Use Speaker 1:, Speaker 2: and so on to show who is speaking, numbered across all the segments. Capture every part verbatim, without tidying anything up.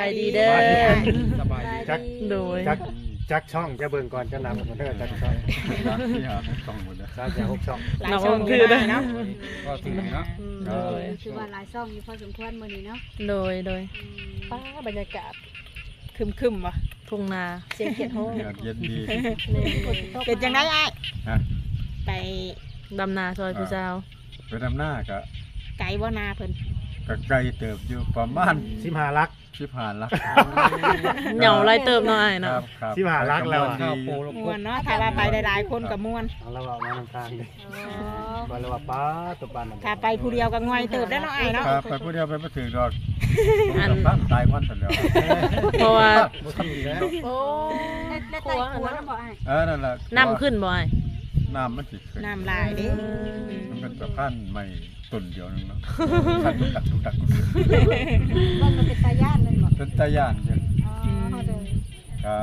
Speaker 1: ายดีเด้อ
Speaker 2: สบายดี
Speaker 3: จัก
Speaker 1: โดย
Speaker 3: จักจักช่องจะเบิ่งก่อนจะนำมันเด้อจักช่อง
Speaker 2: ที่หาช่องหมดเลย
Speaker 3: สามจากหกช่อง
Speaker 4: หลายช่องคือได้เนาะ
Speaker 2: ก็ถึงเนาะ
Speaker 1: โดย
Speaker 5: คือว่าหลายซ่องอยู่พอสมควรมื้อนี้เนาะ
Speaker 1: โดยโดย
Speaker 4: ป้าบรรยากาศคึมๆว่ะ
Speaker 1: ทุ่งนา
Speaker 4: เสียงเขียดโฮ
Speaker 2: เย็นเย็นดี
Speaker 4: เป็นจังได๋อ้าย
Speaker 2: ฮะ
Speaker 4: ไป
Speaker 1: ดำนาซอยผู้สาว
Speaker 2: ไปดำหน้าก็
Speaker 4: ไกลบ่นาเพิ่น
Speaker 2: ก็ไกลเติบอยู่ประมาณ
Speaker 3: สิบห้าลัก
Speaker 2: สิบห้าลัก
Speaker 1: เหงาไรเติมเนาะอ้าย
Speaker 2: ค
Speaker 1: เนาะ
Speaker 2: รับครับ
Speaker 3: สิบห้าลักแล้วอะ
Speaker 2: ดี
Speaker 4: ม่วนเนาะถ้าว่าไปหลายๆคนก็ม่วน
Speaker 3: เอาละว่ามาทางทางดิ
Speaker 5: อ๋อ
Speaker 3: ว่าละว่าป้าตัวปานนั้น
Speaker 4: ถ้าไปผู้เดียวก็ง่อยเติบได้เนาะอ้ายเนาะ
Speaker 2: ครับไปผู้เดียวไปบ่ถึงดอกอันตายก่อนซั่นแล้ว
Speaker 1: เพราะว่า
Speaker 3: บ่ทำอีกแล้ว
Speaker 4: โอ้
Speaker 5: ได้ได้ไต่ขัวแล้วบ่อ้าย
Speaker 2: เออนั่นล่ะ
Speaker 1: น้ำขึ้นบ่อ้าย
Speaker 2: น้ำมันสิขึ้น
Speaker 4: น้ำลายเด้
Speaker 2: มันเป็นสะพานใหม่ต้นเดียวนึงเนาะคันตุกตักตุกตักตุกตัก
Speaker 5: ว่ามันเป็นตาย่านเลยบ่
Speaker 2: เป็นตาย่านเด้อ
Speaker 5: อ๋อเด้อ
Speaker 2: ครับ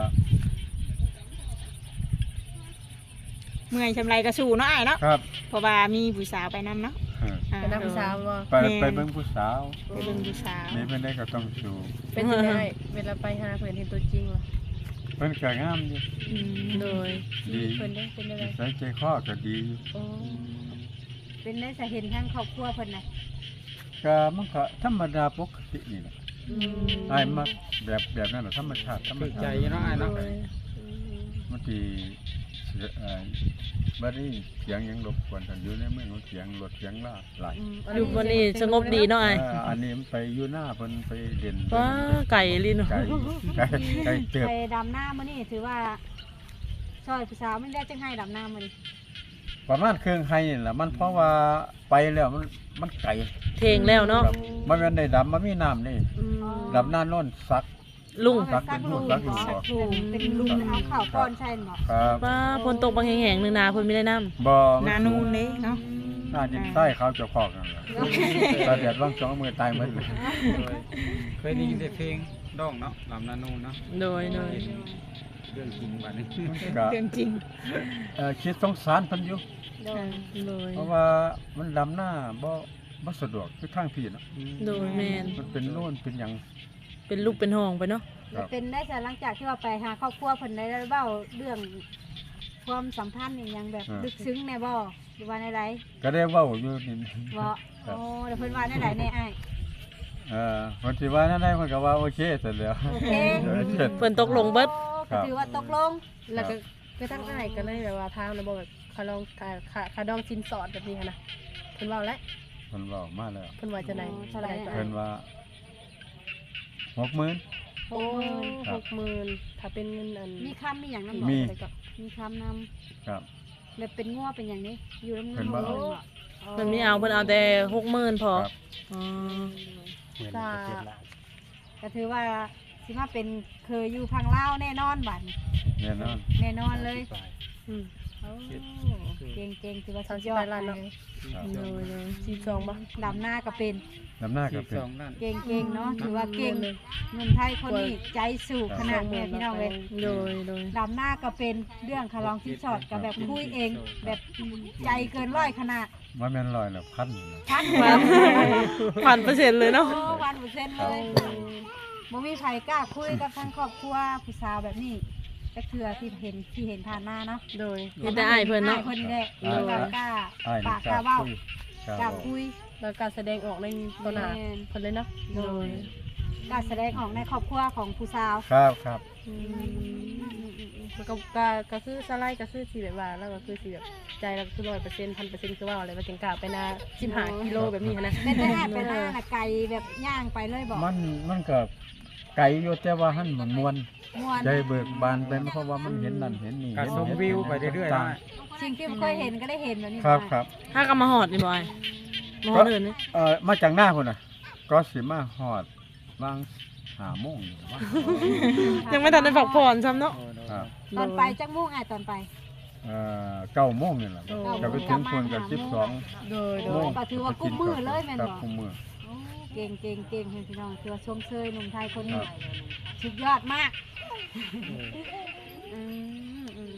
Speaker 4: เมื่อยชำไรก็สู้เนาะอ้ายเนาะ
Speaker 2: ครับ
Speaker 4: เพราะว่ามีผู้สาวไปนํเนาะ
Speaker 2: เออ
Speaker 4: อ่า
Speaker 1: เป็นน้ำสาวบ่
Speaker 2: ไปไปเบิ่งผู้สาว
Speaker 4: ไปเบิ่งผู้สาว
Speaker 2: นี่เพิ่นได้ก็ต้องสู้
Speaker 6: เป็นยังไงเวลาไปหาเพื่อนเห็นตัวจริงวะ
Speaker 2: เพิ่นก็งามอยู่
Speaker 4: อืม
Speaker 1: โดย
Speaker 2: ดี
Speaker 6: เพื่อนได้เป็นยังไง
Speaker 2: ใส่ใจคอก็ดี
Speaker 6: โอ้
Speaker 5: เป็นได้จะเห็นทั้งครอบครัวเพิ่นน่ะ
Speaker 2: ก็มันก็ธรรมดาปกตินี่แหละอ้ายมักแบบแบบนั้นน่ะธรรมชาติธรรมชาติ
Speaker 3: เนาะอ้ายเนาะ
Speaker 2: บางทีเอ่อบัดนี้เสียงยังรบกวนกันอยู่ในเมืองเสียงรถเสียงลาหลาย
Speaker 1: อยู่วันนี้สงบดีเนาะอ้าย
Speaker 2: เอ่ออันนี้มันไปอยู่หน้าเพิ่นไปเด่น
Speaker 1: ว้าไก่ลินเนาะ
Speaker 2: ไก่ไก่ไก่เติบ
Speaker 5: ไปดำหน้ามื้อนี้ถือว่าซอยผู้สาวมันได้จังให้ดำหน้ามื้อนี้
Speaker 2: ประมาณเครื่องไห้นี่แหละมันเพราะว่าไปแล้วมันมันไก่
Speaker 1: เทงแล้วเนาะ
Speaker 2: ครับมันแม่นได้ดำมันมีน้ำนี่
Speaker 1: อืม
Speaker 2: ดำหน้าโน่นซัก
Speaker 1: ลุง
Speaker 2: ซักเป็นหูซักอยู่บ่
Speaker 5: เป็นลุงเอาข้าวก้อนใช่บ่
Speaker 2: ครับ
Speaker 1: ว้าฝนตกบางแห่งๆนึงนาเพิ่นไม่ได้น้ำ
Speaker 2: บ่
Speaker 4: หนานูนเด้เนาะ
Speaker 2: หน้าดินใต้เขาเจะพอกนั่นแหละตาแดดว่างสองมือตายหมดเลย
Speaker 7: เคยได้ยินแต่เพลงด้องเนาะลำนานูนเนาะ
Speaker 1: โดยโดย
Speaker 7: เรื่องจริงบัดนี้
Speaker 2: ก็
Speaker 4: เรื่องจริง
Speaker 2: เอ่อคิดสงสารเพิ่นอยู่
Speaker 5: โดย
Speaker 1: โดย
Speaker 2: เพราะว่ามันดำหน้าบ่บ่สะดวกคือทางพี่เนาะ
Speaker 1: โดยแม่น
Speaker 2: มันเป็นโน่นเป็นหยัง
Speaker 1: เป็นลูกเป็นห้องไปเนาะ
Speaker 5: แล้วเป็นได้แต่หลังจากที่ว่าไปหาครอบครัวเพิ่นได้เว้าเรื่องความสัมพันธ์นี่ยังแบบลึกซึ้งแน่บ่หรือว่าในไร
Speaker 2: ก็ได้เว้าอยู่นี่
Speaker 5: บ่โอ้แล้วเพิ่นว่าในไรในอ้าย
Speaker 2: เออคนที่ว่านั่นได้มันก็ว่าโอเคเสร็จแล้ว
Speaker 5: โอเค
Speaker 2: เออเสร็จ
Speaker 1: เพิ่นตกลงเบิด
Speaker 5: ก็ถือว่าตกลง
Speaker 6: แล้วก็ก็ทั้งอ้ายก็เลยแบบว่าทางนะบอกแบบคาลองคาคาคาดองสินสอดแบบนี้หั้นนะเพิ่นเว่าแล้ว
Speaker 2: เพิ่นเว้ามาแล้ว
Speaker 6: เพิ่นว่าจะไหน
Speaker 5: เท่าไหร่
Speaker 2: เพิ่นว่าหกหมื่น
Speaker 6: โอ้หกหมื่นถ้าเป็นเงินอัน
Speaker 5: มีคำมีหยังนำ
Speaker 2: มี
Speaker 6: อะไรก็
Speaker 5: มีคำนำ
Speaker 2: ครับ
Speaker 5: แล้วเป็นงัวเป็นอย่างนี้ อยู่น้ำเงิ
Speaker 2: เพิ่
Speaker 5: น
Speaker 2: นว่า
Speaker 5: บ่
Speaker 1: เพิ่นไม่เอาเพิ่นเอาแต่หกหมื่นพอ
Speaker 2: ครับ
Speaker 1: อ๋อ
Speaker 3: เหมือนประเทศลาว
Speaker 5: ก็ถือว่าสิมาเป็นเคยอยู่พังลาวแน่นอนบัดนี้
Speaker 2: แน่นอน
Speaker 5: แน่นอนเลย
Speaker 6: อืม
Speaker 5: โอ้เก่งเก่งๆถือว่า
Speaker 6: สา
Speaker 5: สุ
Speaker 6: ม
Speaker 5: ด
Speaker 6: สิ
Speaker 5: ย
Speaker 6: บ
Speaker 5: อ
Speaker 6: แป
Speaker 5: ด
Speaker 6: ดล้านเนาะ
Speaker 2: ครับ
Speaker 1: โดยโดย
Speaker 6: สี่สองบ่
Speaker 5: ดำหน้าก็เป็น
Speaker 2: น้ำหน้าก็
Speaker 7: สี่
Speaker 2: เป็น
Speaker 7: สองล้าน
Speaker 5: เก่งเก่งๆเนาะถือว่าเก่งเงินไทยคนนี้ใจสู่ขนาดแม่พี่น้องเลย
Speaker 1: โดยโดย
Speaker 5: ดำหน้าก็เป็นเรื่องคารองที่ชอดกับแบบคุยเอง แบบใจเกินร้อยขนาด
Speaker 2: ว่าแม่นลอยแล้วพันอยู่นะ
Speaker 5: พัน
Speaker 1: พันพันเปอร์เซ็นต์เลยเนาะ
Speaker 5: โอ้วันเปอร์เซ็นต์เลยบ่มีใครกล้าคุยกับทั้งครอบครัวผู้สาวแบบนี้ก็คือที่เห็นที่เห็นผ่านหน้าเนาะ
Speaker 6: โดย
Speaker 1: เห็นแต่อ้ายเพิ่นเนาะ
Speaker 5: อ้ยเพิ่นนี่แหละแล้วก็กล้า
Speaker 2: อ้าย
Speaker 5: ปา
Speaker 2: นี่
Speaker 5: ก
Speaker 2: ก
Speaker 5: กล้า
Speaker 2: ล้า
Speaker 5: เว้า
Speaker 2: คุยกล้าก
Speaker 5: ล้า
Speaker 2: เว้า
Speaker 5: คุย
Speaker 6: แล้วการแสดงออกในตอนหน้า
Speaker 5: แม่น
Speaker 6: เพิ่นเลยเนาะ
Speaker 1: โดย
Speaker 5: กล้าแสดงออกในครอบครัวของผู้สาว
Speaker 2: ครับครับ
Speaker 6: อืมแล้วก็ก็ก็คือสไลด์ก็คือสิแบบว่าแล้วก็คือสิแบบใจเราก็คือร้อยเปอร์เซ็นต์พันเปอร์เซ็นต์คือว่าอะไรว่าจังกล้าไปนาสิบห้ากิโลแบบนี้หั้นนะ
Speaker 5: เป็นได้แอบไปหน้าน่ะไกลแบบย่างไปเลยบอก
Speaker 2: มันมันก็ไกลอยู่แต่ว่าหันมันมวน
Speaker 5: ม่วน
Speaker 2: ใจเบิกบานไปเพราะว่ามันเห็นนั่นเห็นนี่
Speaker 7: การ
Speaker 2: เห็น
Speaker 7: ชม
Speaker 2: เห็น
Speaker 7: วิวไปเรื่อยๆ
Speaker 2: ต่า
Speaker 7: ได้
Speaker 2: ง
Speaker 5: สิ่งที่เคยเห็นก็ได้เห็นแบบนี้
Speaker 2: ๆครับ
Speaker 5: มา
Speaker 2: ครับ
Speaker 1: ถ้าก็มาหอดนี่บ่อ้ายมาหอดอื่นนี่
Speaker 2: เอ่อมาจากหน้าพุ่นน่ะ ก็สิมาฮอดวางห้าโมงอยู่ว่า
Speaker 1: ยังไม่ทันได้พักผ่อนซ้ำเนาะ
Speaker 2: ครับ
Speaker 5: ตอนไปจักมุ่งอ่ะตอนไป
Speaker 2: เอ่อเก้าโมงนี่แหละ
Speaker 6: โอ้
Speaker 2: จะไปถึงพุ่นกับสิบสอง
Speaker 6: โดยโด
Speaker 5: โอ้
Speaker 6: ย
Speaker 5: ก็ถือว่ากุ้มมือเลยแม่น
Speaker 2: ครับ
Speaker 5: บอก
Speaker 2: กุมมือ
Speaker 5: โอ้เก่งเก่งเก่งพี่น้องถือว่าชมเชยหนุ่มไทยคนนี้
Speaker 2: ครับ
Speaker 5: สุดยอดมากอืมอืมอืม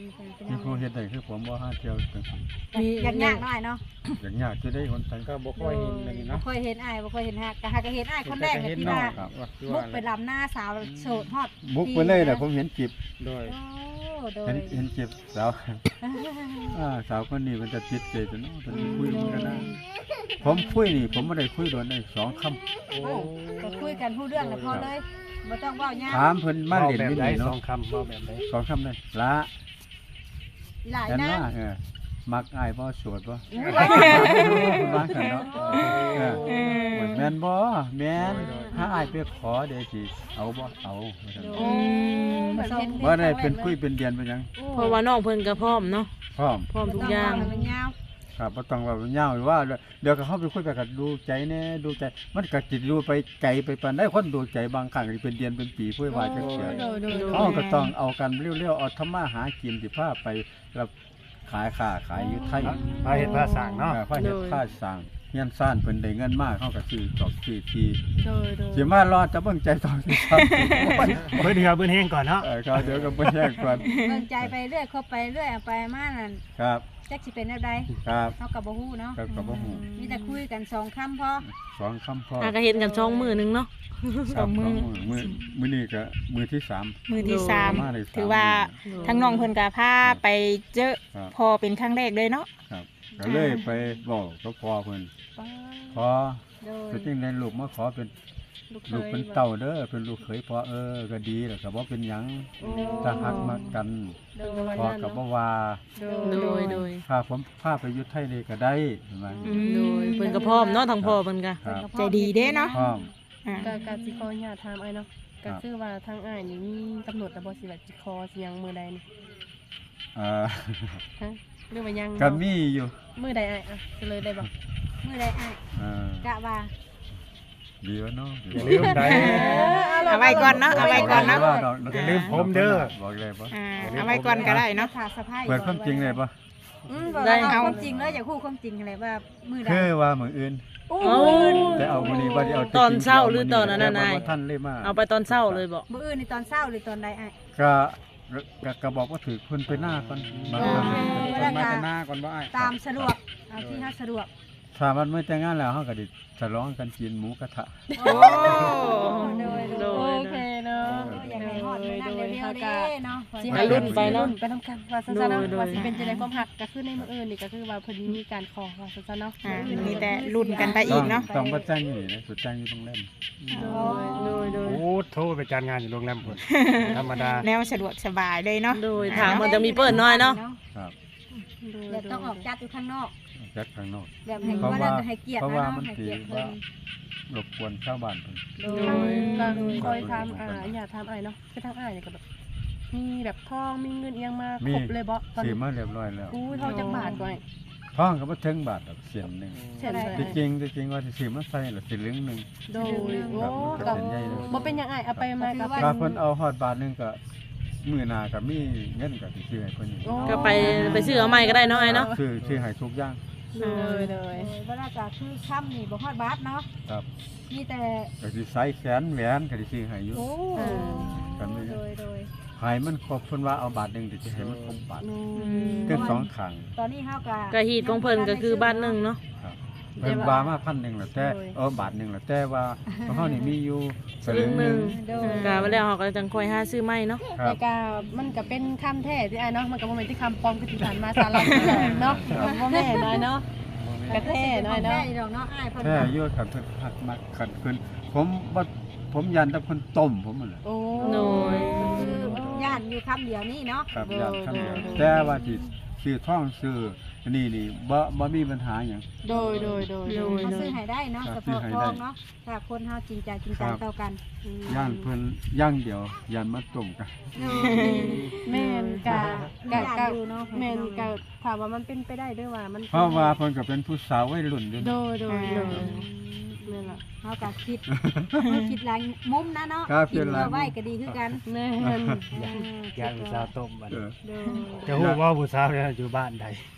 Speaker 5: เป็น
Speaker 2: มี
Speaker 5: ยัง
Speaker 2: ผู้เฮ็ดได้คือผมบ่หาเที่ยวจังซี่
Speaker 5: อยากยากหน่อยเนาะ
Speaker 2: อย่างยากจะได้คนไทย
Speaker 7: ก็บ่ค่อยเห็นเลย
Speaker 5: บ่
Speaker 7: เนาะ
Speaker 5: เคยเห็นอ้ายบ่เคยเห็นฮักก็ฮักก็เห็นอ้ายคนแรกก็ที่ว่า
Speaker 2: ครับ
Speaker 5: บุกไปลำหน้าสาวโสดฮอด
Speaker 2: บุกไปเลยน่ะผมเห็นจิบ
Speaker 7: โดย
Speaker 5: โอ้โดย
Speaker 2: เห็นเห็นจิบสาวอ่าสาวคนนี้มันจะติดใจตัวเนาะมันคุยกันนะผมคุยนี่ผมบ่ได้คุยโดนได้สองคำ
Speaker 7: โอ้
Speaker 5: ก็คุยกันผู้เรื่องแล้วพอเลยบ่ต้องเว้ายาว
Speaker 2: ถามเพิ่นมาเล่น
Speaker 3: แบบ
Speaker 2: ที่
Speaker 3: ใด
Speaker 2: นี่
Speaker 3: สอ
Speaker 2: เนาะ
Speaker 3: งคำว่าแบบใด
Speaker 2: สองคำเลยละ
Speaker 5: หลาย
Speaker 2: เห็น
Speaker 5: นะ
Speaker 2: ว่าเออมักอ้ายบ่โสดบ่คุณว่ากันเนาะเออ
Speaker 1: เออ
Speaker 2: แม่นบ่แม่นถ้าอ้ายไปขอเดี๋ยวสิเอาบ่เอาว่าซั่น
Speaker 1: อืม
Speaker 5: เหมือนเห็น
Speaker 2: บ่ได้เป็นคุยเป็นเดือนเป็นหยัง
Speaker 1: เพราะว่าน้องเพิ่นก็พร้อมเนาะ
Speaker 2: พร้อม
Speaker 1: พร้อมทุกอย่าง
Speaker 5: บ่ต้เว้ให้มันยาว
Speaker 2: ครับบ่ต้องว่าเงาหรือว่าเดี๋ยวก็เข้าไปคุยไปก็ดูใจแน่ดูใจมันก็จิตดูไปไกลไปปานได้คนดูใจบางครั้งก็เป็นเดือนเป็นปีเพื่อว่าจักเสีย
Speaker 6: โดยโดยโดย
Speaker 2: เขาก็ต้องเอากันเร็วๆเอาธรรมะหากินสิพาไปรับขายค้าขายอยู่ไทย
Speaker 3: พาเฮ็ดพาสร้างเนาะ
Speaker 2: เออพาเฮ็ดพาสร้างเฮียนซ่านเพิ่นได้เงินมากเขาก็ซื้อจอกซื้อที
Speaker 6: โดยโดย
Speaker 2: สิมารอจะเบิ่งใจต่อสิครับ
Speaker 3: เบิ่งเหือเบิ่งแห้งก่อนเนาะ
Speaker 2: เออครับเดี๋ยวก็บ่แยกก่อน
Speaker 5: เบิ่งใจไปเรื่อยคบไปเรื่อยเอาไปมานั่น
Speaker 2: ครับ
Speaker 5: จักสิเป็นแนวใด
Speaker 2: ครับ
Speaker 5: เฮาก็บ่ฮู้เนาะ
Speaker 2: ครับก็บ่ฮู้
Speaker 5: มีแต่คุยกันสองคำพอ
Speaker 2: สองคำพอ
Speaker 1: อาก็เห็นกันช่องมือหนึงเนาะ
Speaker 2: สองมือมือมื้อนี้ก็มือที่สาม
Speaker 4: มือที่สาม
Speaker 2: มาได้สาม
Speaker 4: ถือว่าทั้งน้องเพิ่นก็พาไปเจอ
Speaker 2: ครับ
Speaker 4: พอเป็นครั้งแรกเลยเนาะ
Speaker 2: ครับก็เลยไปบอกกับพ่อเพิ่นขอ
Speaker 5: โดย
Speaker 2: จะจริงในลูกมาขอเป็น
Speaker 6: ลูกเค
Speaker 2: ลูก
Speaker 6: ย
Speaker 2: เป็นเต่าเด้อเป็นลูกเขยพ่อเออก็ดีแหละก็บ่เป็นหยังถ้าหักมากัน
Speaker 6: โดย
Speaker 2: พ่อก็บ่ว่า
Speaker 1: โดยโดย
Speaker 2: ถ้าผมพาไปอยู่ไทยนี่ก็ได้เห็นไหม
Speaker 1: โดยเพิ่นก็พร้อมเนาะทางพ่อเพิ่นก็
Speaker 2: ครับ
Speaker 4: ใจดีเด้เนาะ
Speaker 2: พร้อม
Speaker 4: อ่า
Speaker 6: ก็ก็สิขออนุญาตถามอ้ายเนาะ
Speaker 2: ครั
Speaker 6: ก็
Speaker 2: บ
Speaker 6: คือว่าทางอ้ายนี่มีกำหนดแล้วบ่สิว่าสิขอสิหยังมื้อใดนี่
Speaker 2: เอ่อ
Speaker 6: ฮะหรือว่ายัง
Speaker 2: ก็มีอยู่
Speaker 6: มื้อใดอ้ายอ่ะจะเลยได้บ่
Speaker 5: มื้อใดอ้าย
Speaker 2: เออก
Speaker 5: ะว่า
Speaker 2: ดีวะเนาะ
Speaker 3: อย่าลืมได้
Speaker 4: เอาไว้ก่อนเนาะเอาไว้ก่อนเนาะ
Speaker 2: ว่าดอก
Speaker 3: อย่าลืมผมเด้อ
Speaker 2: บอกเลยบ่
Speaker 4: อ่าเอาไว้ก่อนก็ได้เนาะ
Speaker 5: ถ้าสะพาย
Speaker 2: เปิดความจริงเลยบ่
Speaker 5: อืมบอก
Speaker 1: ได้
Speaker 5: ว่าเอาความจริงเลยอยากฮู้ความจริงอะไรว่ามื้อใด
Speaker 2: คือว่ามื้ออื่น
Speaker 5: โอ้
Speaker 1: โอ้
Speaker 2: แต่เอามื้อนี้บ่ได้เอา
Speaker 1: ตอนเช้าหรือตอนนั้นน่ะ
Speaker 2: แต่
Speaker 1: นาย
Speaker 2: ว่าบ่ทันเลยมา
Speaker 1: เอาไปตอนเช้าเลยบ่
Speaker 5: มื้ออื่นนี่ตอนเช้าหรือตอนใดอ้าย
Speaker 2: ก็ก็ก็บอกว่าถือคนไปหน้าก่อนบางครั้ง
Speaker 5: เออ
Speaker 7: คนมาแต่หน้าก่อนบ่อ้าย
Speaker 5: ตามสะดวกเอาที่เฮาสะดวก
Speaker 2: ถ้ามันไม่แต่งงานแล้วเฮาก็ดิฉลองกันกินหมูกระทะ
Speaker 5: โอ้โดยโด
Speaker 1: โด
Speaker 5: ย
Speaker 1: ย
Speaker 6: โอเคเนาะ
Speaker 5: อยากให้ฮอดมื้อนั้นเร็วๆเด้เนาะ
Speaker 6: สิ
Speaker 1: ไปรุ่นไปเนาะ
Speaker 6: ไปทำกันว่าซั่นๆเนาะ
Speaker 1: โดย
Speaker 6: ว่าสิเป็นจังได๋ความหักก็คือในมื้ออื่นนี่ก็คือว่าเพิ่นมีการขอว่าซั่นๆเนาะ
Speaker 4: อ่ามีแต่รุ่นกันไปอีกเนาะ
Speaker 2: ต้องบ่จ้างอยู่นี่นะสุดจ้างอยู่ตรงนั้น
Speaker 1: โดยโดย
Speaker 3: โอ้โทรไปจัดงานอยู่โรงแรมพุ่นธรรมดา
Speaker 4: แนวสะดวกสบายเลยเนาะ
Speaker 1: โดยถามมันจะมีเปิดน้อยเนาะ
Speaker 2: ครับ
Speaker 6: โดย
Speaker 5: เดี๋ยวต้องออกจัดอยู่ข้างนอก
Speaker 2: จัดข้างนอก
Speaker 5: แบบให้
Speaker 2: เพราะ
Speaker 5: ว่า
Speaker 2: ว่า
Speaker 5: ให้เกียรติ
Speaker 2: เพราะ
Speaker 5: นะ
Speaker 2: ว่า
Speaker 5: เนาะ
Speaker 2: มัน
Speaker 5: ให้
Speaker 2: สิ
Speaker 5: เกียรติเพิ่
Speaker 2: ว่าน รบกวนชาวบ้านเพิ่น
Speaker 5: โด
Speaker 6: โด
Speaker 5: ย
Speaker 6: ยก็คอยถามอ่าอย่าถามอ้ายเนาะคือทางอ้ายนี่ก็แบบมีแบบทองมีเงินเอียงมาครบเลยบ่ตอน
Speaker 2: ซื้อ
Speaker 6: นี้
Speaker 2: มาเรียบร้อยแล้ว
Speaker 6: อู้ทองจักบาทก่อน
Speaker 2: ท้องก็บ่ถึงบาทดอกเสียนหนึง
Speaker 6: เช่นไร
Speaker 2: ที่จริงที่จริงว่าสิซื้อมาใส่ละสิเหลึงหนึง
Speaker 6: โดยโอ้
Speaker 2: ครับมันก็
Speaker 6: ก็
Speaker 2: เส้นใหญ่เลย
Speaker 6: บ่เป็นหยังอ้ายเอาไปมากับ
Speaker 2: ถ้าเพิ่นเอาฮอดบาทหนึงก็มื้อหน้าก็มีเงินก็สิซื้อให้เพิ่นอีก
Speaker 6: โอ้
Speaker 1: ก็ไปไปซื้อเอาใหม่ก็ได้เนาะไอ้เนาะ
Speaker 2: ซื้อซื้อให้ทุกอย่าง
Speaker 6: เลยเลย
Speaker 5: เวลาจะคือค่ำนี่บ่ฮอดบาทเนาะ
Speaker 2: ครับ
Speaker 5: มีแต่
Speaker 2: ก็สิใส่แขนแหวนก็สิซื้อให้อยู่
Speaker 5: โอ้
Speaker 2: กันนี่
Speaker 5: โดยโดย
Speaker 2: ให้มันครบเพิ่นว่าเอาบาทหนึงเดี๋ยวสิให้มันครบบาท
Speaker 6: อื
Speaker 1: ม
Speaker 2: เกินสองครั้ง
Speaker 5: ตอนนี้เฮาก็
Speaker 1: ก็ฮีดของเพิ่นก็คือบ้านหนึงเนาะ
Speaker 2: ครับเพิ่นว่ามาพันหนึงแล้วแต่เออบาทหนึงแล้วแต่ว่าของเฮานี่มีอยู่ส
Speaker 1: ส
Speaker 2: ลึ
Speaker 1: ลึ
Speaker 2: ง
Speaker 1: ง
Speaker 2: ห
Speaker 1: ห
Speaker 2: นึ
Speaker 1: นึ
Speaker 2: ง
Speaker 1: ง
Speaker 5: โดย
Speaker 1: ก็ว่าแล้วเฮาก็จังค่อยหาซื้อใหม่เนาะ
Speaker 2: ครั
Speaker 6: แต่
Speaker 2: บ
Speaker 6: ก็มันก็เป็นคำแท้ที่อ้ายเนาะมันก็บ่แม่นที่คำปลอมคือที่ผ่านมาสาระเนาะบ่แม่นน้อยเนาะกระแท้น้อยเนาะ
Speaker 5: แท้ดอกเนาะอ้ายเพิ่น
Speaker 2: แท้อยู่ครับเพิ่นพักมาขัดเพิ่นผมบ่ผมยันแต่เพิ่นต้มผมนั่นแหละ
Speaker 6: โอ้
Speaker 1: โดย
Speaker 5: คือย่านอยู่คำเดียวนี่เนาะ
Speaker 2: ครับยันคำเดียวแต่ว่าสิซื้อท่องซื้ออันนี่นี่บ่บ่มีปัญหาหยัง
Speaker 6: โดยโดยโดยโดย
Speaker 5: เขาซื้อให้ได้เนาะ
Speaker 2: ครั
Speaker 5: เฉ
Speaker 2: บ
Speaker 5: พาะ
Speaker 2: ซื้อให้
Speaker 5: ท
Speaker 2: ได้
Speaker 5: องเนาะถ้าคนเฮาจริงใจจริงจัง
Speaker 2: ครับ
Speaker 5: ต่อกัน
Speaker 2: ย่านเพิ่นย่างเดียวยันมาต้มกัน
Speaker 6: แม่นกะกะ
Speaker 5: ย่าน
Speaker 6: กะ
Speaker 5: อยู่เนาะ
Speaker 6: แม่นกะถามว่ามันเป็นไปได้ด้วยว่ามัน
Speaker 2: เพราะว่าเพิ่นก็เป็นผู้สาววัยรุ่นอยู่
Speaker 6: โด
Speaker 2: นะ
Speaker 6: ยโดยโดยนั่นล่ะ
Speaker 5: เฮาก็คิดเฮาคิดหลายมุมนะเนาะ
Speaker 2: ครับ
Speaker 5: คิด
Speaker 2: คิดหลาย
Speaker 5: เพื่อไว้ก็ดีคือกัน
Speaker 6: แม่น
Speaker 3: ย่างผู้สาวต้มบัด
Speaker 2: เอ
Speaker 3: นี้
Speaker 2: อ
Speaker 5: โดย
Speaker 3: จะฮู้ว่าผู้สาวเนี่ยอยู่บ้านใด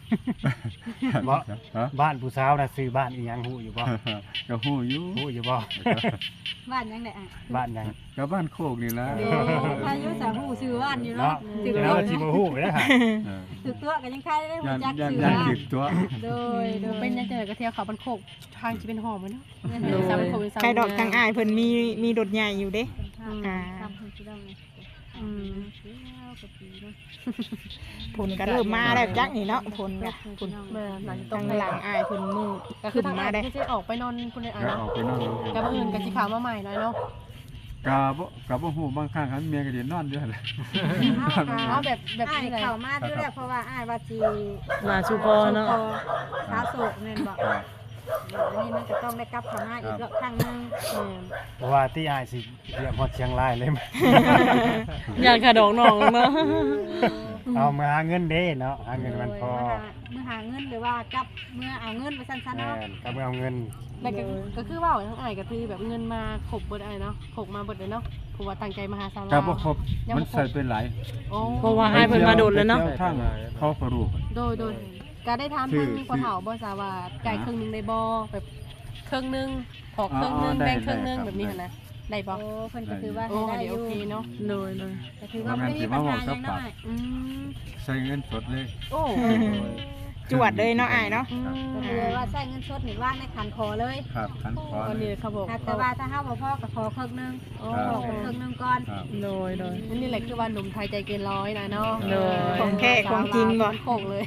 Speaker 3: บ่
Speaker 2: ฮะ
Speaker 3: บ้านผู้สาวน่ะซื้อบ้านอีหยังฮู้อยู่บ่
Speaker 2: ก็ฮู้อยู่
Speaker 3: ฮู้อยู่บ่
Speaker 5: บ้านยังไงอ่ะ
Speaker 3: บ้านหยัง
Speaker 2: ก็บ้านโคกนี่นะ
Speaker 5: โอ้พายุสาหูซื้อบ้านอยู่
Speaker 3: เนาะ
Speaker 5: เนาะถึง
Speaker 3: เดี๋ยวเราสิบ่ฮู้ไปแล้วค่ะ
Speaker 2: เออ
Speaker 5: ถึงตัวกันยังใครได้หู
Speaker 2: ย่าน
Speaker 5: จัก
Speaker 2: ย่าน
Speaker 5: ซื้อ
Speaker 2: ย่าน
Speaker 5: บ้าน
Speaker 2: จิกตัว
Speaker 5: โดยโดย
Speaker 6: เป็นยังไงก็เที่ยวเขาบันโคกทางจะเป็นหอมเลยเนาะ
Speaker 1: โดย
Speaker 6: สามโคกเป็นสาม
Speaker 4: ใครดอกทางอ้ายเพิ่นมีมีดดใหญ่อยู่เด้ อ่า
Speaker 5: ทำคนที่ต้อง
Speaker 6: อืม
Speaker 4: ผลก็เริ่มมาแล้วจักนี่เนาะผลก็ผล
Speaker 6: แม่หลังจะต้
Speaker 4: ต้
Speaker 6: อ
Speaker 4: อง งหลังอ้ายเพิ่นมือ
Speaker 6: ก็คื
Speaker 4: ขึ้
Speaker 6: อน ทาง
Speaker 4: มา
Speaker 6: มา
Speaker 4: ได้
Speaker 6: ได้ที่จะออกไปนอนคุณในอ่า
Speaker 2: ก็
Speaker 6: เนาะ
Speaker 2: ออกไปนอน
Speaker 6: กับอื่นกับสีขาวมาใหม่หน่อยเนาะ
Speaker 2: กะบ่กะบ่ฮู้บางครั้งคันเมียก็สินอนอยู่หั่นแหละ
Speaker 6: เอาแบบแบบ
Speaker 5: อ้าย
Speaker 6: นี้เลย
Speaker 5: เข้ามาด้วยแล้วเพราะว่าอ้ายว่าจี
Speaker 1: ลาชูพอเนาะ
Speaker 5: สาโศกแม่นบอกอันนี้มันจะต้องได้กลับเข้ามาอีกรอบครั้งหนึง
Speaker 3: เพราะว่าที่อ้ายสิเรียกฮอดเชียงรายเลย
Speaker 1: อยากขาดอกน้องเนาะ
Speaker 3: เอามาหาเงินเด้เนาะหาเงินมันพอ
Speaker 5: เมื่อหาเงินหรือว่ากลับเมื่อเอาเงินไปสั้นๆ
Speaker 3: แม่
Speaker 5: เนาะ
Speaker 3: นก็บ่เอาเงิน
Speaker 6: แล้วก็ก็คือว่าทั้งอ้ายก็คือแบบเงินมาขบเบิดอ้ายเนาะขบมาเบิดเลยเนาะผมว่าตั้งใจมาหาสาว
Speaker 2: กะบ่ครบมันใส่ไปหลาย
Speaker 6: โอ้
Speaker 1: เพราะว่าให้เพิ่นมาโดดเลยเนาะ
Speaker 2: ไปที่ยวทางเขาก็รู้
Speaker 6: โดยโดยก็ได้ถาม
Speaker 2: ชื่
Speaker 6: ทา
Speaker 2: อ
Speaker 6: งพ่อเฒ่าบ่ทราบว่าจ่ายครึ่งหนึงได้บ่แบบครึ่งหนึงขอครึ่งหนึง
Speaker 2: อ๋อได้
Speaker 6: แบ่งครึ่งหนึง
Speaker 2: ได้ครับ
Speaker 6: แบบนี้หั่นนะได้บ่
Speaker 5: โอ้เพิ่นก็ถือว่า
Speaker 6: โอ้
Speaker 5: ให้ได้
Speaker 6: เดี๋ยว
Speaker 5: อ
Speaker 6: โอยู่ เคเนาะ
Speaker 1: โดยโดย
Speaker 5: ก็ถือว่าไม่มีปัญหาอย่างน้อย
Speaker 6: อืม
Speaker 2: ใส่เงินสดเลย
Speaker 6: โอ้
Speaker 4: จวดเลยเนาะอ้ายเนาะ
Speaker 6: อืม
Speaker 5: ก็คือว่าใช้เงินสดนี่ว่างในขันคอเลย
Speaker 2: ครับคันคอ
Speaker 6: อัน
Speaker 2: เล
Speaker 6: นี้
Speaker 2: ย
Speaker 6: เขาบอก
Speaker 5: แต่ว่าถ้าเฮาบ่พอก็ขอครึ่งหนึง
Speaker 6: โอ้
Speaker 2: ครับ
Speaker 5: ขอครึ่งหนึงก่อน
Speaker 2: ครับ
Speaker 1: โดยโดย
Speaker 6: อันนี้แหละคือว่าหนุ่มไทยใจเกินร้อยนะเนาะ
Speaker 1: โดย
Speaker 4: ของแท้ของจริงบ่
Speaker 6: โคกเลย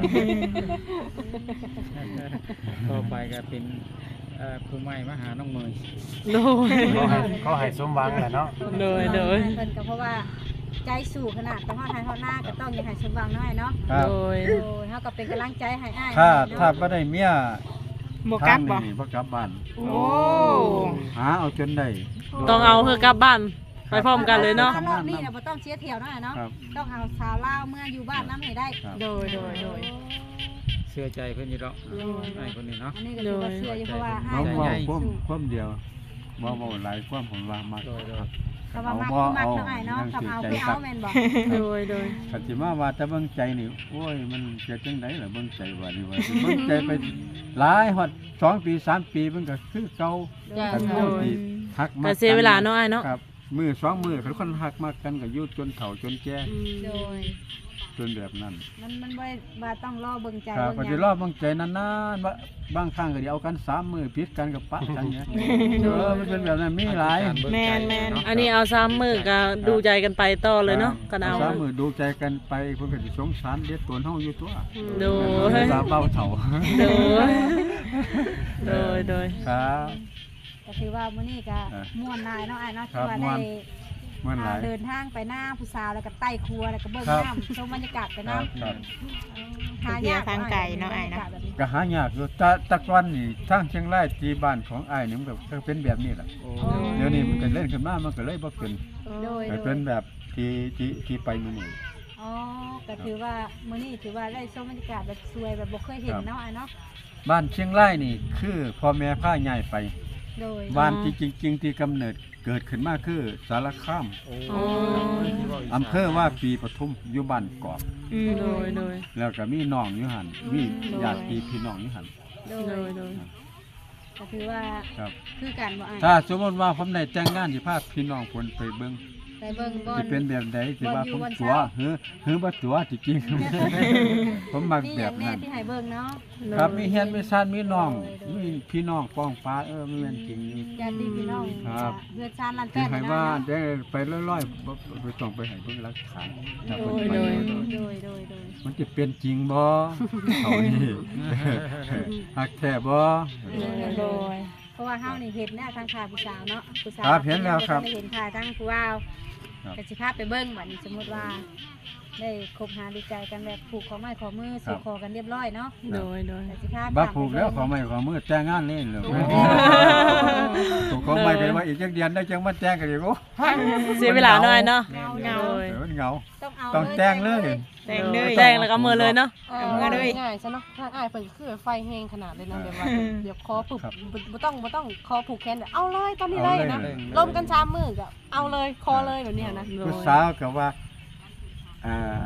Speaker 7: ต่อไปก็เป็นเอ่อผู้ใหม่มาหาน้องเมย
Speaker 1: โดย
Speaker 3: เขาให้เขาให้สมหวังแหละเนาะ
Speaker 1: โดยโดย
Speaker 5: เพิ่นก็เพราะว่าใจสู่ขนาดไปฮอดไทยฮอดหน้าก็ต้องอย่าให้สมหวังน้อยเนาะ
Speaker 2: ครับ
Speaker 1: โดย
Speaker 5: โอ้ยเฮาก็เป็นกำลังใจให้อ้าย
Speaker 2: ถ้า
Speaker 5: เนะ
Speaker 2: ถ้าบ่ได้เมีย
Speaker 4: บ่กลับบ่
Speaker 2: ทางนี่บ่กลับบ้าน
Speaker 4: โอ้
Speaker 2: หาเอาจนได้
Speaker 1: ต้องเอาเฮอกลับบ้านไปพร้อมกันเลยเนาะ
Speaker 5: ถ้ารอบนี้น่ะบ่ต้องเสียเที่ยวน้อยเนาะ
Speaker 2: ครับ
Speaker 5: ต้องเอาชาวลาวเมื่ออยู่บ้านนำให้ได้
Speaker 2: ครับ
Speaker 6: โดยโดยโดย
Speaker 7: เชื่อใจเพิ่นอยู่ดอกไอ้คนนี้เนาะ
Speaker 5: อันนี้ก็ถือว่าเชื่ออยู่เพราะว่าอ้า
Speaker 2: เว้าย
Speaker 5: ก็
Speaker 2: เว้า
Speaker 5: ได้
Speaker 2: ความ
Speaker 5: สู้
Speaker 2: ความเดียวเว้าเว้าหลายความผมว่ามัก
Speaker 7: โดยโดย
Speaker 5: คำว่ามักคือมักเนาะอ้ายเนาะคำเอาคือเอาแม่นบ่
Speaker 1: โดยโดย
Speaker 2: คันสิมาว่าแต่เบิ่งใจนี่โอ้ยมันเกิดจังไดล่ะเบิ่งใจว่านี่ว่าสิเบิ่งใจไปหลายฮอดสองปีสามปีมันก็คือเก่า
Speaker 6: จ้า
Speaker 2: คัน
Speaker 1: โด
Speaker 2: เฮาย สิฮักมั
Speaker 1: ก็
Speaker 2: ก
Speaker 1: เสียเวลาเนาะอ้ายเนาะ
Speaker 2: ครับมือสองมือคันคนฮักมักกันก็อยู่จนเฒ่าจนแก่
Speaker 6: อืม
Speaker 5: โดย
Speaker 2: จนแบบนั้น
Speaker 5: มันมันบ่ได้ว่าต้องรอเบิ่งใจ
Speaker 2: ครับ
Speaker 5: เบิ่ง
Speaker 2: ก็
Speaker 5: ห
Speaker 2: สิ
Speaker 5: ยัง
Speaker 2: รอเบิ่งใจนานๆว่าบางครั้งก็สิเอากันสามมือผิดกันก็ปะกันเนี่ยเออมันเป็นแบบนั้นมีหลาย
Speaker 4: แม่นแม่น
Speaker 1: อันนี้เอาซ้ำมือก็ดูใจกันไปต่อเลยเนาะกันเอา
Speaker 2: สามมือดูใจกันไปเพิ่นก็สิสงสารเด็ดตัวเฮาอยู่ตัว
Speaker 1: โดย
Speaker 2: เวลาเบาเฒ่า
Speaker 1: โดยโดยโดย
Speaker 2: ครับ
Speaker 5: ก็ถือว่ามื้อนี้ก็
Speaker 2: เออ
Speaker 5: ม่วนหลายเนาะอ้ายเนาะ
Speaker 2: ครั
Speaker 5: ที่
Speaker 2: บ
Speaker 5: ว่า
Speaker 2: ม่ว
Speaker 5: ได้
Speaker 2: น มันหลาย
Speaker 5: เดินทางไปหน้าผู้สาวแล้วก็ใต้ครัวแล้วก็เบิ่ง
Speaker 2: ครับ
Speaker 5: น้ำชมบรรยากาศไป
Speaker 2: ครับ
Speaker 5: น้ำ
Speaker 2: ครับ
Speaker 5: หายาก
Speaker 4: ทางไกลเนาะอ้ายเนาะ
Speaker 5: บรรกศแบบนี้
Speaker 2: ก็หายากอยู่แตะตะกอนนี่ทางเชียงรายที่บ้านของอ้ายนี่มันก็ก็เป็นแบบนี้แหละ
Speaker 7: โอ้
Speaker 2: เดี๋ยวนี้มันก็เล่นขึ้นมามันก็เลยบ่เป็น
Speaker 5: โดย
Speaker 2: ก็
Speaker 5: โด
Speaker 2: เป็
Speaker 5: ย
Speaker 2: นแบบที่ที่ที่ไปมื้อนี้
Speaker 5: อ๋อก็ถือว่ามื้อนี้ถือว่าได้ชมบรรยากาศแบบสวยแบบบ่เคยเห็นเนาะอ้ายเนาะ
Speaker 2: บ้านเชียงรายนี่คือพ่อแม่พาย้ายไป
Speaker 5: โดย
Speaker 2: บ้านที่จริง ๆ ที่กำเนิดเกิดขึ้นมาคือสารคาม
Speaker 7: โอ้
Speaker 1: อ๋อ
Speaker 2: อำเภอว่าปีปทุมอยู่บ้านกอก
Speaker 4: อืม
Speaker 1: โดยโดย
Speaker 2: แล้วก็มีน้องอยู่หั่นมีญาติพี่น้องอยู่หั่น
Speaker 5: โด
Speaker 1: โด
Speaker 5: ย
Speaker 1: ยโดย
Speaker 5: ก็ถือว่า
Speaker 2: ครับ
Speaker 5: คือกันบ่อ้าย
Speaker 2: ถ้าสมมติว่าผมได้แต่งงานสิพาพี่น้องคนไปเบิ่ง
Speaker 5: ไปเบิ่งบ่อ
Speaker 2: สิ
Speaker 5: น
Speaker 2: เป็นแบบใดสิว่า
Speaker 5: บ่อยู่
Speaker 2: ผม
Speaker 5: วัน
Speaker 2: ตัว
Speaker 5: เช้า
Speaker 2: เฮือเฮือบ่ตัวจริงๆ ผมมัก
Speaker 5: นี่อ
Speaker 2: แบ
Speaker 5: ย่า
Speaker 2: บ
Speaker 5: งแน่
Speaker 2: นั้น
Speaker 5: ที่ให้เบิ่งเนาะ
Speaker 2: ครับมีเฮียนมีซ่านมีน้อง
Speaker 5: โดยโดย
Speaker 2: มีพี่น้องป้องฟ้าเออมันแม่นจริงนี่
Speaker 5: ญาติพี่น้อง
Speaker 2: ครับ
Speaker 5: เพื่อนชาติลัน
Speaker 2: ที่
Speaker 5: แป้น
Speaker 2: ให้
Speaker 5: นะ
Speaker 2: ว่า
Speaker 5: เนาะ
Speaker 2: ได้ไปลอยๆบ่บ่ต้องไปให้เบิ่งหลักฐานถ้า
Speaker 5: โด
Speaker 2: เพิ่น
Speaker 5: ย
Speaker 2: ไป
Speaker 5: โดย
Speaker 2: โดย
Speaker 5: โดยโดยโดย
Speaker 2: มันจะเป็นจริงบ่เท่านี้ฮักแท้บ่
Speaker 4: โดย
Speaker 5: เพราะว่าเฮานี่เห็นแน่ทางข่าวผู้สาวเนาะผู้สาว
Speaker 2: ครับเห็นแล้วครับ
Speaker 5: ได้เห็นข่าวทางผู้ว่าว
Speaker 2: ครับ
Speaker 5: ก็สิพาไปเบิ่งบัดนี้สมมุติว่า ได้คบหาดูใจกันแบบผูกข้อไม้ข้อมือสู่คอกันเรียบร้อยเนาะ
Speaker 1: โดยโดย
Speaker 5: ก็สิพา
Speaker 2: บ่ผูกแล้วขอไม่ขอมือแต่งงานเล่นเลยถูกขอไม่กันว่าอีกจักเดือนได้จังมาแต่งกันอีกโอ้
Speaker 1: เสียเวลาหน่อยเนาะ
Speaker 5: เงา
Speaker 1: โดย
Speaker 2: เออมันเหงา
Speaker 5: ต้องเอา
Speaker 2: ต้องแต่งเลย
Speaker 4: แต่งเลย
Speaker 1: แต่งแล้วก็มือเลยเนาะ
Speaker 5: เอ
Speaker 4: เอา
Speaker 5: อ
Speaker 4: มือเลย
Speaker 6: ง่ายๆซะเนาะถ้าอ้ายเพิ่นคือไฟแห้งขนาดเลยนะแบบว่า
Speaker 4: อืม
Speaker 6: เดี๋ยวคอปึบ
Speaker 2: ครับ
Speaker 6: บ่บ่ต้องบ่ต้องคอผูกแขนแบบเอาเลยตอนนี้เลยนะ
Speaker 2: เอาเลย
Speaker 6: ลมกันชามมือก็เอาเลยคอเลยแบบเนี้ยนะ
Speaker 2: ผู้สาวก็ว่าอ่า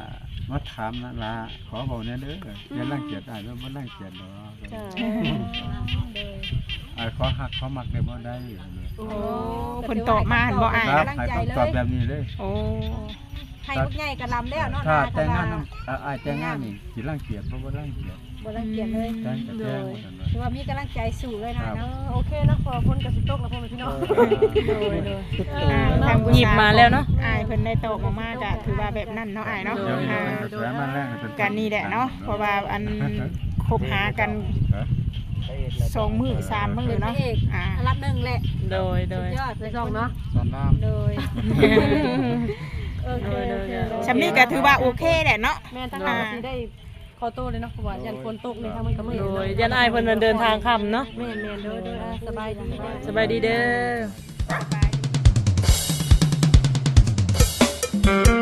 Speaker 2: มาถามนั่นล่ะขอบอกเนี่ยเด้ออย่ารังเกียจอ้ายเด้อบ่รังเกียจดอก
Speaker 6: จ้า
Speaker 2: อ้ายขอฮักขอมักได้บ่ได้
Speaker 6: โอ้
Speaker 4: โอ้เพิ่นตอบมาหั่นบ่อ้าย
Speaker 2: ครับให้คำตอบแบบนี้เลย
Speaker 4: โอ้
Speaker 5: ให้พวกใหญ่กระลำแล้วเนาะ
Speaker 2: ถ้า
Speaker 5: นา
Speaker 2: แต่งงาน
Speaker 5: ก็
Speaker 2: นำอ้ายแต่งงานนี่สิรังเกียจบ่บ่รังเกียจ
Speaker 5: บ่รังเกียจเลย
Speaker 2: แต่งก็แต่งว่าซั่นว่า
Speaker 5: คือว่ามีกำลังใจสู้เลยนะเนาะ
Speaker 6: โอเคเนาะพอพ้นกับสิตกแล้วพ่อแม่พี่น้อง
Speaker 1: โดยโดย
Speaker 4: อ่าทางผู้
Speaker 1: หยิบมาแล้วเนาะ
Speaker 4: อ้ายเพิ่นได้ตอบออกมาก็ถือว่าแบบนั้นเนาะอ้ายเนาะ
Speaker 2: เดี๋ยวนี้
Speaker 4: อ่า
Speaker 2: เป็นกระแสมาแรงเป็น
Speaker 4: กันนี่แหละเนาะเพราะว่าอันคบหากันสองมื้อสามมื้อเนาะอ่า
Speaker 5: อันรับหนึ่งแหละ
Speaker 1: โดยโดย
Speaker 5: ยอด
Speaker 6: ไปส่องเนาะ
Speaker 7: สอนราม
Speaker 5: โดยโอเค
Speaker 1: โดยโดย
Speaker 4: ชำนี้ก็ถือว่าโอเคแหละเนาะ
Speaker 6: แม่ทั้งเราสิได้ขอโตเลยเนาะเพราะว่ายันฝนตกในทางมันก็มืด
Speaker 1: โดยยันอายเพิ่นเดินทางค่ำเนาะ
Speaker 6: แม่นแม่นเด้อเด้ออ่ะสบายดี
Speaker 1: สบายดีเด้อ